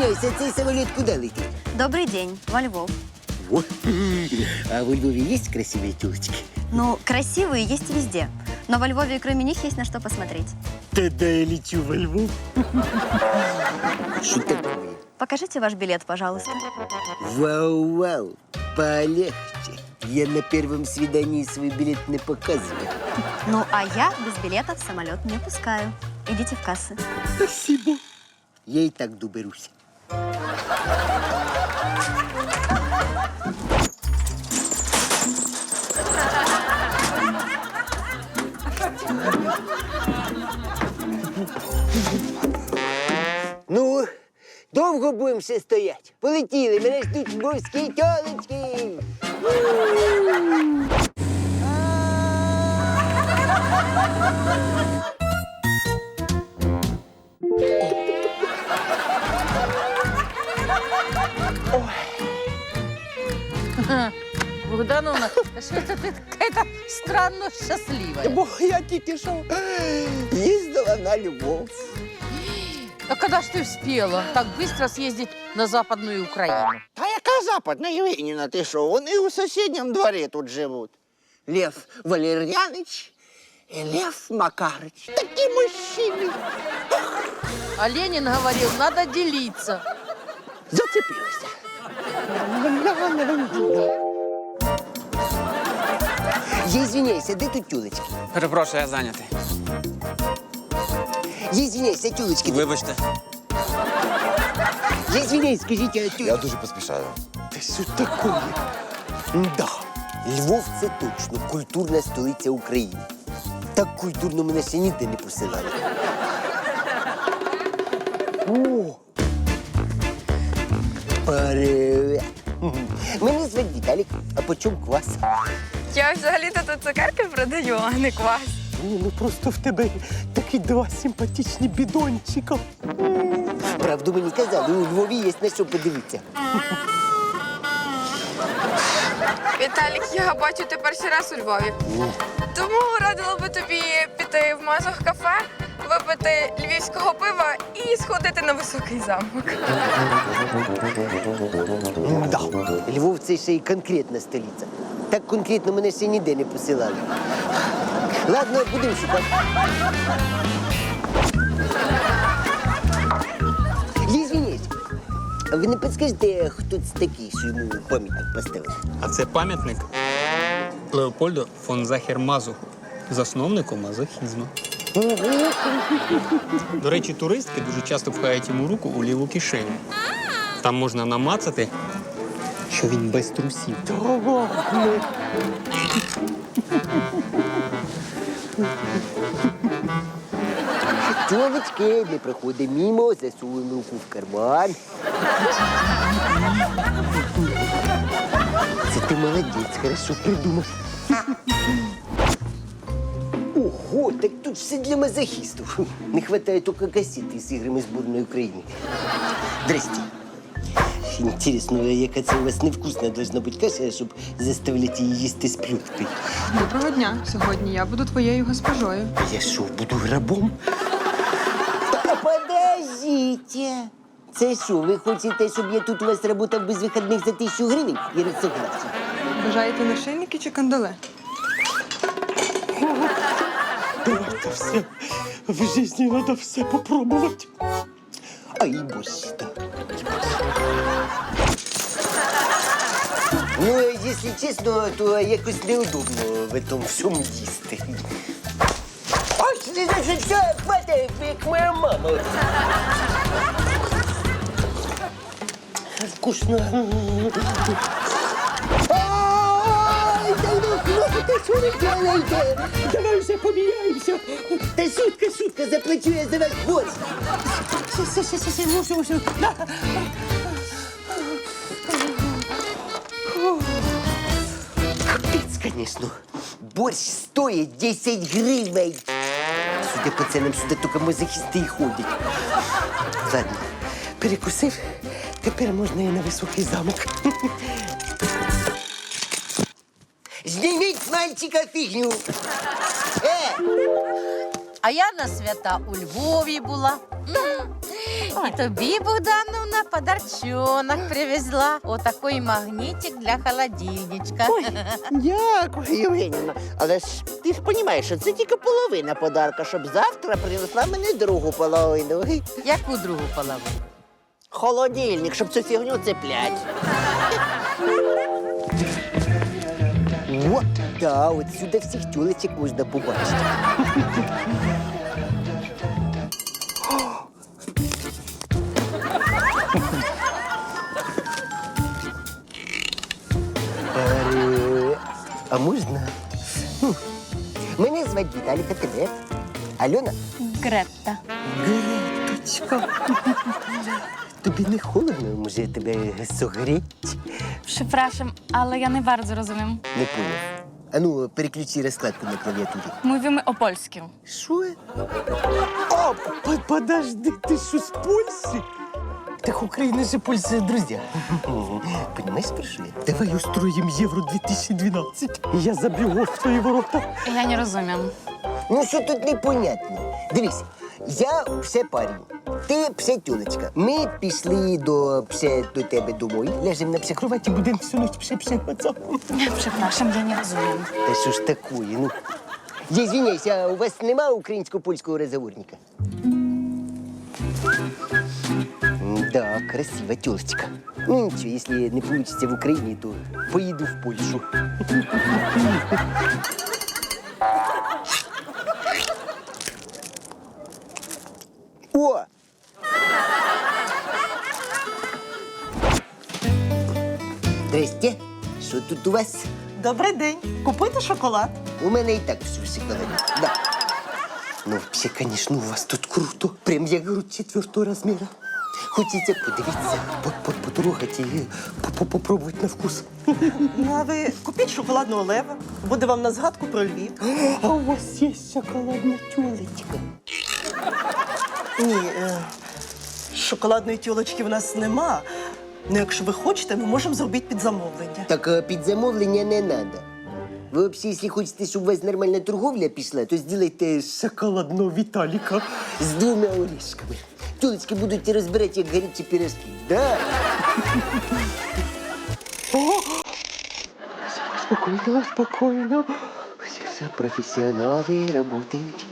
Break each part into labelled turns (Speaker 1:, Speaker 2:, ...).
Speaker 1: Извиняюся, цей самоліт куди летить?
Speaker 2: Добрый день, во Львов.
Speaker 1: Во. А во Львові є красиві тілочки?
Speaker 2: Ну, красивые есть везде. Но во Львове кроме них есть на что посмотреть.
Speaker 1: Тогда я лечу во Львов. Что такое?
Speaker 2: Покажите ваш билет, пожалуйста.
Speaker 1: Вау-вау, полегче. Я на первом свидании свой билет не показываю.
Speaker 2: Ну, а я без билета в самолет не пускаю. Идите в кассы.
Speaker 1: Спасибо. Я и так доберусь. Ну, довго будемо ще стоять? Полетіли, мене ждуть львовські тьолочки.
Speaker 3: Богдановна, что-то ты какая-то странно счастливая.
Speaker 1: Бо я тільки що їздила на Львов.
Speaker 3: А когда ж ты успела так быстро съездить на Западную Украину?
Speaker 4: Та яка западна Євгенівна, ти що? Вони у сусідньому дворі тут живуть. Лев Валерьяныч і Лев Макарыч. Такі мужчини.
Speaker 3: А Ленин говорил, надо делиться.
Speaker 4: Зацепилися.
Speaker 1: Я извиняюся, де тут тюлечки?
Speaker 5: Перепрошую, я зайнятий.
Speaker 1: Я извиняюся, тюлечки.
Speaker 5: Вибачте.
Speaker 1: Я извиняюсь, скажіть, а тюлечки.
Speaker 6: Я дуже поспішаю.
Speaker 1: Та що такое? Да. Львов – це точно культурна столиця України. Так культурно мене ще ніде не посилали. О! Привет! Мене звати Віталік, а по чому квас?
Speaker 7: Я взагалі-то тут цукерки продаю, а не квас.
Speaker 1: Ні, ну просто в тебе такі два симпатичні бідончика. Правду мені казали, у Львові є на що подивитися.
Speaker 7: Віталік, я бачу, ти перший раз у Львові. Тому радила би тобі піти в Мазох кафе, випити львівського пива і сходити на Високий замок.
Speaker 1: Да. Львов – це ще й конкретна столиця. Так конкретно мене ще ніде не посилали. Ладно, будемо шукати. Я извиняюсь, а ви не підскажете, хто це такий, що йому пам'ятник поставили?
Speaker 5: А це пам'ятник Леопольду фон Захер-Мазуху, засновнику мазохізму. До речі, туристки дуже часто пхають йому руку у ліву кишеню. Там можна намацати, що він без трусів.
Speaker 1: Тьолочки, не проходимо мимо, засовуємо руку в карман. Це ти молодець, хорошо придумав. Ого, так тут все для мазохістів. Не вистачає тільки касети з іграми збірної України. Здрасте. Інтересно, яка це у вас невкусна должна бути каша, щоб заставляти її їсти з плюткою.
Speaker 8: Доброго дня. Сьогодні я буду твоєю госпожою.
Speaker 1: Я що, буду рабом? Та подождите. Це що, ви хочете, щоб я тут у вас працював без вихідних за 1000 гривень? Я не согласен.
Speaker 8: Бажаєте нашийники чи кандале?
Speaker 1: Давайте все. В житті треба все попробувати. Ай, боже, да. Ну, якщо чесно, то якось неудобно в этом всьому їсти. Ой, все, хватає, як моя мама. Вкусно. Ой, да ну, хлопцы, что вы делаете? Давай уже поміняємося. Та шутка, заплачу я за ваш борщ. Все. Капец, конечно. Борщ стоит 10 гривен. Судя по ценам, сюда только мазохисты и ходят. Ладно, перекусив, тепер можна і на Високий замок. Зніміть з мальчика фігню.
Speaker 3: А я на свята у Львові була. І тобі, Богдановна, подарчонок привезла. Отакий магнітик для холодильничка.
Speaker 4: Дякую, Євгенівна. Але ж ти ж розумієш, що це тільки половина подарка, щоб завтра принесла мені другу половину.
Speaker 3: Яку другу половину?
Speaker 4: Холодильник, щоб цю фігню цеплять.
Speaker 1: От, да, от сюди всіх тюлечок можна побачити. А можна? Мене звати Віталік, а тебе? Альона?
Speaker 2: Гретта.
Speaker 1: Греточка. Тобі не холодно, може тебе согріть?
Speaker 2: Przepraszam, ale ja nie bardzo rozumiem.
Speaker 1: Не поняв. А ну, переключи розкладку на клавіатурі.
Speaker 2: Mówimy o polskim.
Speaker 1: Що? О, подожди, ти що, з Польщі? Так Україна же Польща, друзі. Понимаєш, про що я? Давай устроїм Євро 2012. Я заб'ю гол в твої ворота.
Speaker 2: Ja nie rozumiem.
Speaker 1: Ну, що тут непонятно? Дивись, я псе парень, ти псе тюлечка. Ми пішли до тебе домой, ляжемо на псе кроваті, будемо всю ніч псе-псе пацан.
Speaker 2: Przepraszam, ja nie rozumiem.
Speaker 1: Та що ж такое, ну? Я извиняюсь, а у вас нема українсько-польського розговорника? Да, красива тёлочка. Ну ничего, если не получится в Украине, то поеду в Польшу. О! Здрасте. Що тут у вас?
Speaker 6: Добрий день. Купити шоколад.
Speaker 1: У мене і так все в шоколаде. Да. Ну, вообще, конечно, у вас тут круто. Прям я грудь 4-го размера. Хочеться подивитися, потрогати і попробувати на вкус.
Speaker 6: Ну, а ви купіть шоколадного лева. Буде вам на згадку про Львів.
Speaker 1: А у вас є шоколадна тюлечка?
Speaker 6: Ні, шоколадної тюлочки в нас нема. Ну, якщо ви хочете, ми можемо зробити під замовлення.
Speaker 1: Так під замовлення не треба. Ви взагалі, якщо хочете, щоб у вас нормальна торговля пішла, то зробите шоколадного Віталіка з 2 орешками. Тюлечки будуть розбирати, як гарячі пирожки. Да. Спокойно, спокойно. Все профессионалы работают.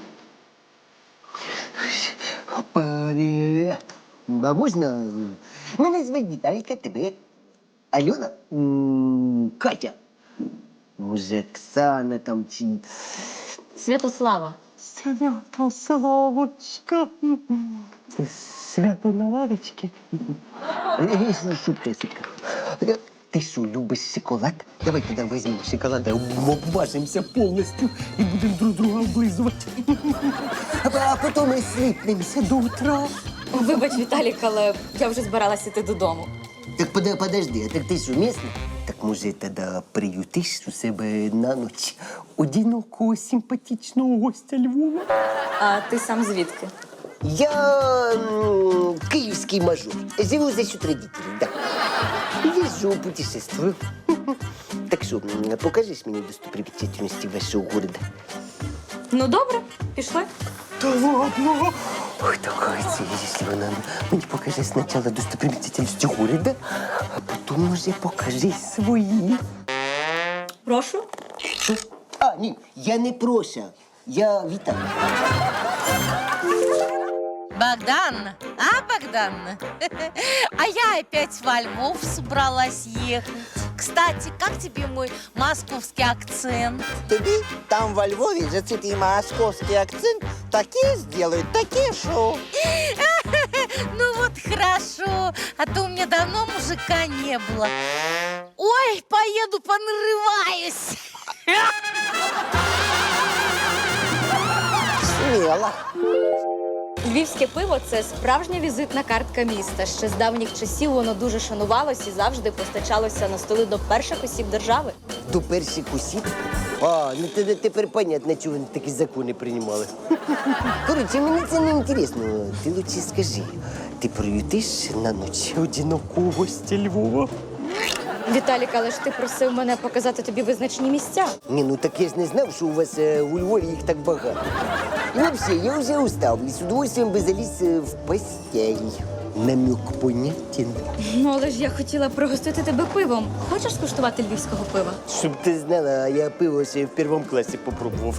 Speaker 1: Опа-ре. А можна? Мене звати Віталіка, тебе. Альона? Катя. Може, Оксана там чи...
Speaker 2: Святослава.
Speaker 1: Святославочка. Свято на лавочці. Шутка, шутка. Ти що, любиш шоколад? Давай тоді візьмемо шоколад, обважимося повністю і будемо друг друга облизувати. А потім ми сліпнемося до утра.
Speaker 2: Вибач, Віталік, але я вже збиралася йти додому.
Speaker 1: Так подожди, а так ти що, місний? Так може тоді приютиш у себе на ніч одинокого симпатичного гостя Львова?
Speaker 2: А ти сам звідки?
Speaker 1: Я киевский мажор. Живу за счет родителей, да. Езжу, путешествую. Так что, покажешь мне достопримечательности вашего города?
Speaker 2: Ну, добре, пішли.
Speaker 1: Да ладно? Ой, такая цель, если вы нам мне покажи сначала достопримечательности города, а потом уже покажи свои.
Speaker 2: Прошу.
Speaker 1: Что? А, нет, я не Проша, я Виталий.
Speaker 3: Богдан, а, Богдан? А я опять во Львов собралась ехать. Кстати, как тебе мой московский акцент?
Speaker 4: Тобі там во Львові за цей московський акцент таке зроблять, таке шоу.
Speaker 3: Ну вот хорошо, а то у меня давно мужика не было. Ой, поеду понарываюсь.
Speaker 4: Сміло.
Speaker 2: Львівське пиво – це справжня візитна картка міста. Ще з давніх часів воно дуже шанувалось і завжди постачалося на столи до перших осіб держави.
Speaker 1: До перших осіб? А, ну тоді тепер понятно, чого вони такі закони приймали. Коротше, мені це не інтересно. Ти лучше скажи, ти приютиш на ніч одинокого гостя Львова?
Speaker 2: Віталік, але ж ти просив мене показати тобі визначні місця.
Speaker 1: Ні, ну так я ж не знав, що у вас у Львові їх так багато. І взагалі, я вже устав і з удовольствием би заліз в постель. Намек понятен.
Speaker 2: Ну, але ж я хотіла пригостити тебе пивом. Хочеш скуштувати львівського пива?
Speaker 1: Щоб ти знала, я пиво ще в першому класі попробував.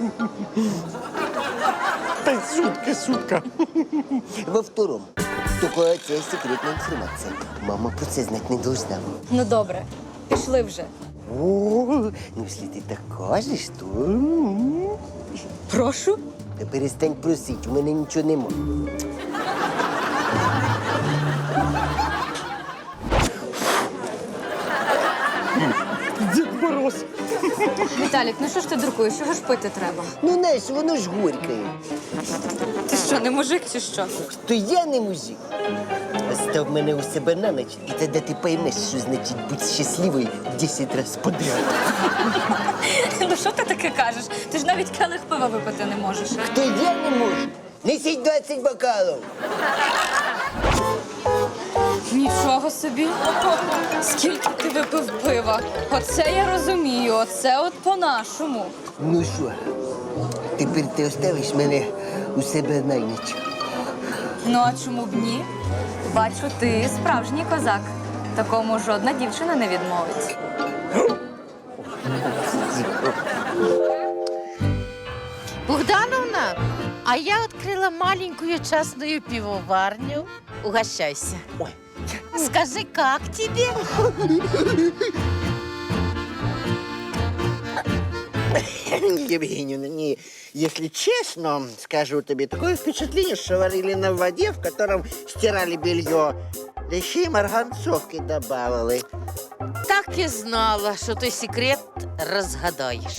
Speaker 1: Та шутка. Во втором. Тільки це секретна інформація. Мама про це знати не должна.
Speaker 2: Ну добре, пішли вже.
Speaker 1: О, ну якщо ти так кажеш, то...
Speaker 2: Прошу.
Speaker 1: Та перестань просити, у мене нічого нема.
Speaker 5: Дід Мороз.
Speaker 2: Віталік, ну що ж ти дуркуєш? Чого ж пити треба?
Speaker 1: Ну, знаєш, воно ж горькає.
Speaker 2: Ти що, не мужик чи що?
Speaker 1: То я не мужик. Остав мене у себе на ніч, і тоді ти поймеш, що значить бути щасливою 10 разів подряд.
Speaker 2: Ну що ти таке кажеш? Ти ж навіть келих пива випити не можеш.
Speaker 1: То я не можу. Несіть 20 бокалів.
Speaker 2: Нічого собі. Скільки ти випив пива? Оце я розумію, оце от по-нашому.
Speaker 1: Ну що, тепер ти оставиш мене у себе на ніч.
Speaker 2: Ну а чому б ні? Бачу, ти справжній козак. Такому жодна дівчина не відмовить.
Speaker 3: Богдановна, а я открыла маленькую частную пивоварню. Угощайся.
Speaker 1: Ой.
Speaker 3: Скажи, как тебе?
Speaker 4: Евгеньевна, не, если честно, скажу тебе, такое впечатление, что варили на воде, в котором стирали белье. Да еще и марганцовки добавили.
Speaker 3: Так и знала, что ты секрет разгадаешь.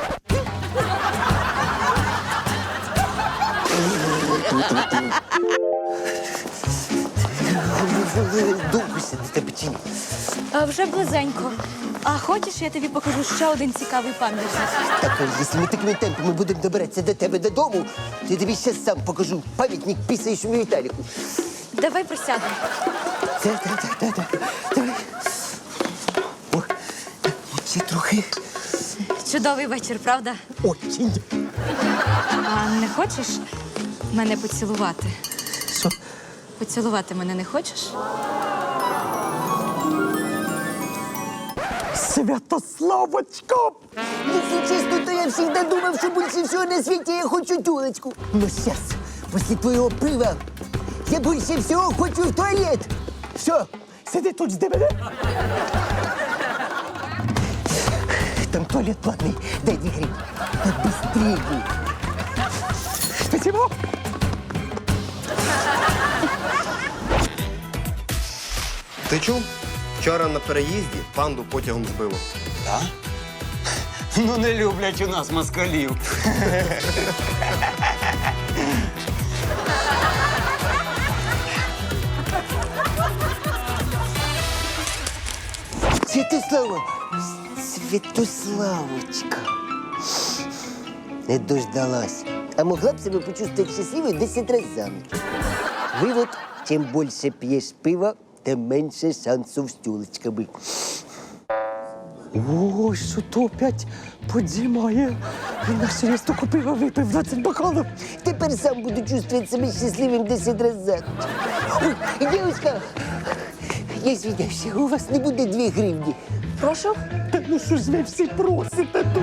Speaker 1: Довго сидите печені.
Speaker 2: А вже близенько. А хочеш, я тобі покажу ще один цікавий пам'ятник?
Speaker 1: Так, якщо ми такими темпами будемо добиратися до тебе додому, то я тобі зараз сам покажу пам'ятник пісаючому Віталіку.
Speaker 2: Давай присядемо.
Speaker 1: Так. Давай. О, ще трохи.
Speaker 2: Чудовий вечір, правда?
Speaker 1: Очень.
Speaker 2: А не хочеш мене поцілувати?
Speaker 1: Що?
Speaker 2: Поцілувати мене не хочеш?
Speaker 1: Святославочка! Если честно, то я всегда думал, что больше всего на свете я хочу тёлочку. Но сейчас, после твоего пива, я больше всего хочу в туалет. Все, сиди тут, жди мене. Там туалет платный, дай 2 гривни. Да быстрее. Спасибо.
Speaker 9: Ти чув? Вчора на переїзді панду потягом збило.
Speaker 10: Так? Ну, не люблять у нас москалів.
Speaker 1: Святославочка. Не дождалась. А могла б себе почувствовать счастливой 10 раз за ночь. Вывод: чем больше пьешь пива, тем меньше шансов с тёлочками.
Speaker 6: Ой, що то опять подзімає. Він на серйозно купив, а випив 20 бокалів.
Speaker 1: Теперь сам буду чувствовать себя счастливым 10 раз за ночь. Ой, девушка, я извиняюсь, у вас не будет 2 гривни.
Speaker 2: Прошу.
Speaker 6: Та ну що ж ви всі просите тут?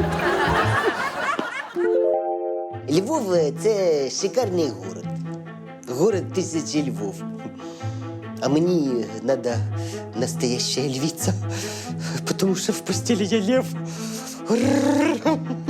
Speaker 1: Львов – це шикарний город. Город тисячі Львов. А мені надо настоящая львица, потому что в постели я лев.